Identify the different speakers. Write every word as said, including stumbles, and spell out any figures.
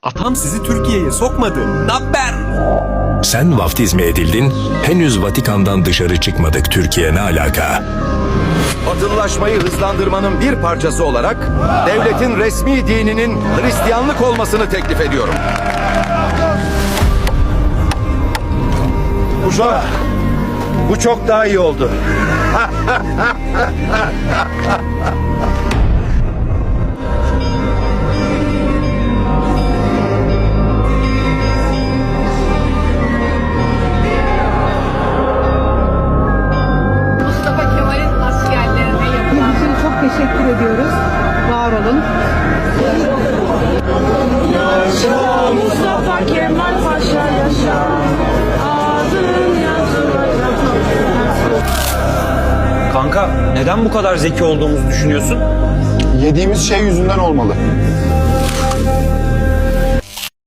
Speaker 1: Atam sizi Türkiye'ye sokmadı. Naber?
Speaker 2: Sen vaftiz mi edildin? Henüz Vatikan'dan dışarı çıkmadık. Türkiye ne alaka?
Speaker 3: Batılılaşmayı hızlandırmanın bir parçası olarak devletin resmi dininin Hristiyanlık olmasını teklif ediyorum. Uşak, bu çok daha iyi oldu.
Speaker 4: Mustafa Kemal'in askerlerine yapılan
Speaker 5: için çok teşekkür ediyoruz. Var olun.
Speaker 6: Yaşa Mustafa Kemal Paşa yaşa. Adın yazılacak.
Speaker 7: Kanka neden bu kadar zeki olduğumuzu düşünüyorsun?
Speaker 8: Yediğimiz şey yüzünden olmalı.